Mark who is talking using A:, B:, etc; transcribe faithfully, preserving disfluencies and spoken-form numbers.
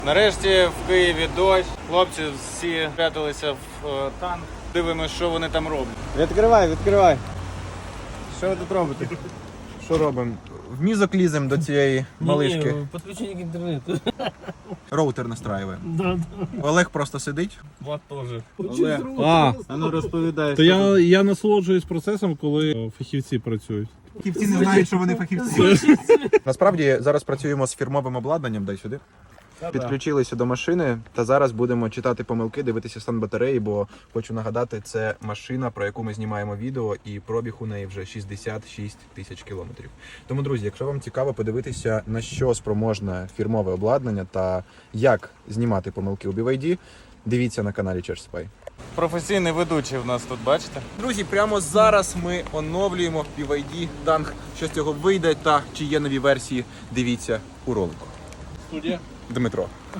A: Нарешті в Києві дощ. Хлопці всі пряталися в е, танк. Дивимося, що вони там роблять.
B: Відкривай, відкривай. Що ви тут робите?
C: Що робимо? В мізок ліземо до цієї малишки.
D: Ні, підключення к інтернету.
C: Роутер настраюємо.
D: Да,
C: Олег просто сидить.
D: Влад теж.
B: Олег,
E: А,
B: а ну розповідай.
E: то
B: що
E: я, я насолоджуюсь процесом, коли е, фахівці працюють.
C: Фахівці не знають, що вони фахівці. Насправді зараз працюємо з фірмовим обладнанням, дай сюди. Підключилися до машини та зараз будемо читати помилки, дивитися стан батареї, бо хочу нагадати, це машина, про яку ми знімаємо відео, і пробіг у неї вже шістдесят шість тисяч кілометрів. Тому, друзі, якщо вам цікаво подивитися, на що спроможне фірмове обладнання та як знімати помилки у бі вай ді, дивіться на каналі ChargeSpy.
A: Професійний ведучий в нас тут, бачите?
C: Друзі, прямо зараз ми оновлюємо бі вай ді танк. Що з цього вийде та чи є нові версії, дивіться у ролику.
E: Студія.
C: Дмитро.